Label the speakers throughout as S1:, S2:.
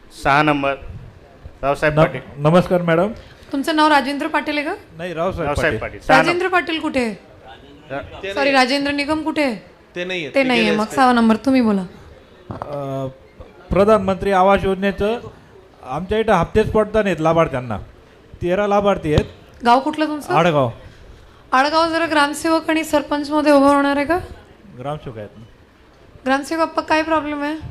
S1: 6 number Raosaheb Patil.
S2: नमस्कार madam.
S3: तुमचं नाव राजेंद्र पाटील आहे का?
S2: नाही, रावसाहेब
S1: रावसाहेब
S2: पाटील.
S1: पाटील 6
S3: राजेंद्र पाटील कुठे आहे? सॉरी, राजेंद्र निगम कुठे आहे?
S4: ते नाही
S3: ते नाहीये. मग 6 नंबर तुम्ही बोला.
S2: प्रधानमंत्री आवास योजनेचं आमच्या इथं हप्तेच पडता नाहीत लाभार्थ्यांना. 13 लाभार्थी आहेत.
S3: गाव कुठलं तुमचं?
S2: आडगाव.
S3: आडगाव जरा ग्रामसेवक आणि सरपंच मध्ये उभं होणार आहे का?
S2: ग्रामसेवक आहेत.
S3: ग्रामसेवक अप्पा, काय प्रॉब्लेम आहे?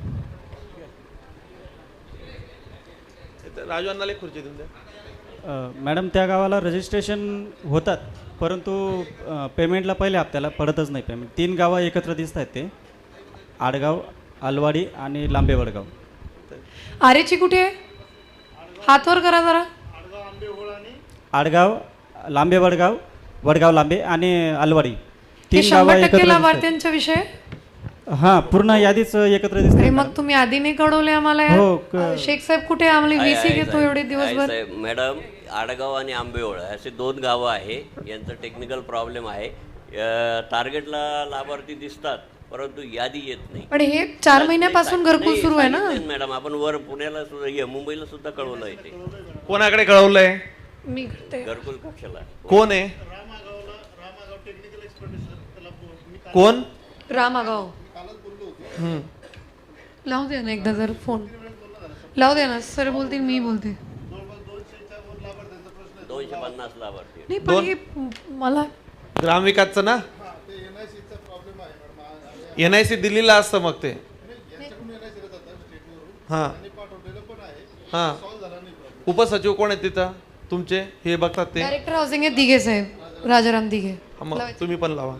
S4: राजू अण्णाला एक खुर्ची देऊन द्या.
S5: मॅडम, त्या गावाला रजिस्ट्रेशन होतात, परंतु पेमेंटला पहिल्या हप्त्याला पडतच नाही पेमेंट. 3 गावं एकत्र दिसत आहेत, ते आडगाव, अलवाडी आणि लांबे वडगाव.
S3: आरेची कुठे आहे? हात वर करा जरा.
S5: आडगाव, लांबे वडगाव, वडगाव लांबे आणि अलवाडी,
S3: हे
S5: 3 गावं
S3: 100%
S5: एकत्र दिसत
S3: लाभार्थ्यांचा विषय आहे?
S5: आहेत. हां, पूर्ण यादीच एकत्र
S3: अरे
S5: दिसते.
S3: मग तुम्ही आधी नाही कळवले आम्हाला यार?
S5: हो,
S3: शेख साहेब कुठे? आम्हाला
S6: आहे,
S3: VC
S6: आहे,
S3: घेतो
S6: साहेब.
S3: एवढे दिवसभर.
S6: आहे, साहेब. मॅडम, आडगाव आणि आंबेओळ असे 2 गावं आहे. यांचं टेक्निकल प्रॉब्लेम आहे. टार्गेटला लाभार्थी दिसतात, परंतु यादी येत नाही.
S3: पण हे 4 महिन्यापासून घरकुल सुरू आहे ना
S6: मॅडम? आपण वर पुण्याला सुद्धा, मुंबईला सुद्धा कळवलं आहे ते.
S4: कोणाकडे कळवलंय?
S3: मी करते.
S6: घरकुल कक्षाला
S4: कोण आहे? कोण?
S3: रामागाव. लावू दे ना एकदा जर फोन लावू दे ना. सर बोलतील, मी बोलते.
S6: 250 लाभार्थी.
S3: नाही पण हे मला
S4: ग्रामविकासचं ना, NIC दिल्लीला असतं मग ते. हां हां, उपसचिव कोण आहेत तिथं तुमचे? हे बघतात ते.
S3: डायरेक्टर हाऊसिंग आहे दिघे साहेब, राजाराम दिघे.
S4: मग तुम्ही पण लावा.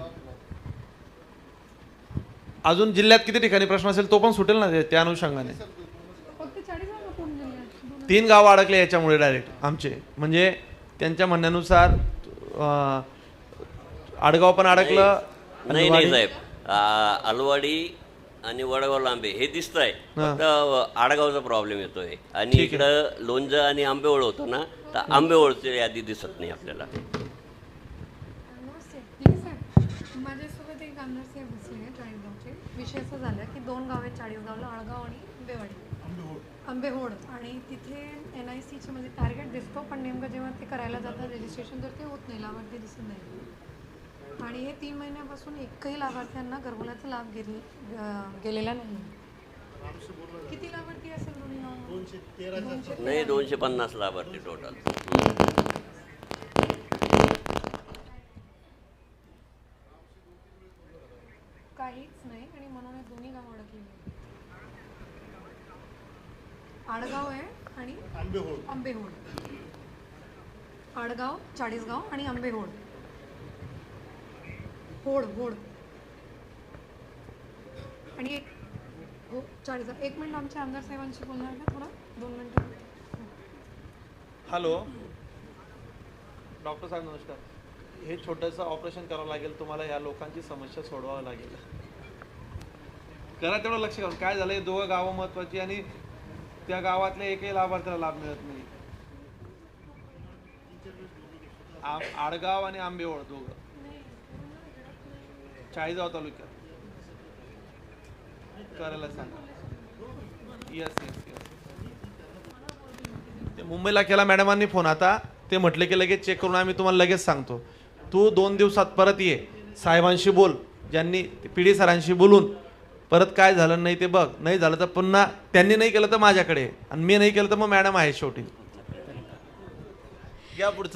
S4: अजून जिल्ह्यात किती ठिकाणी प्रश्न असेल तो पण सुटेल ना त्या अनुषंगाने. 3 गावं अडकले याच्यामुळे डायरेक्ट आमचे. म्हणजे त्यांच्या म्हणण्यानुसार आडगाव पण अडकलं.
S6: नाही नाही साहेब, अलवाडी आणि वडगाव लांबे हे दिसत आहे, फक्त आडगावचा प्रॉब्लेम येतोय. आणि इकडं लोणचं आणि आंबेओळ होतं ना, तर आंबेओळची यादी दिसत नाही आपल्याला.
S3: माझ्यासोबत एक आमदार साहेब बसले चाळीसगावचे. विषय असं झाला की 2 गाव आहेत चाळीसगावला, आळगाव आणि आंबेहोड. आणि तिथे NICचे म्हणजे टार्गेट दिसतो, पण नेमकं जेव्हा ते करायला जातात रजिस्ट्रेशन, तर ते होत नाही, लाभार्थी दिसत नाही. आणि हे 3 महिन्यापासून एकही लाभार्थ्यांना घरकुलाचा लाभ गेलेला नाही. किती लाभार्थी असेल दोन्ही गावांमध्ये?
S6: नाही, 250 लाभार्थी टोटल.
S3: काहीच नाही. आणि म्हणून हे दोन्ही गाव अडकलेली. आडगाव आहे आणि आंबेहोड. आडगाव, चाळीसगाव आणि आंबेहोड. होड आणि एक हो 40. 1 मिनिट, आमच्या आमदार साहेबांशी बोलणार का थोडा? 2 मिनिटं.
S4: हॅलो डॉक्टर साहेब, नमस्कार. हे छोटंसं ऑपरेशन करावं लागेल तुम्हाला. या लोकांची समस्या सोडवावं लागेल. करा तेवढं लक्ष घालून. काय झालं, हे 2 गावं महत्वाची आणि त्या गावातल्या एकही लाभार्थ्याला लाभ मिळत नाही. आडगाव आणि आंबेओळ 2 चाळीसगाव तालुक्यात करायला सांगा. येस. ते मुंबईला केला मॅडमांनी फोन. आता ते म्हटले की लगेच चेक करून आम्ही तुम्हाला लगेच सांगतो. तू 2 दिवसात परत ये, साहेबांशी बोल, ज्यांनी PD सरांशी बोलून परत काय झालं नाही ते बघ. नाही झालं तर पुन्हा त्यांनी नाही केलं तर माझ्याकडे, आणि मी नाही केलं तर मग मॅडम आहे शेवटी. या पुढचं.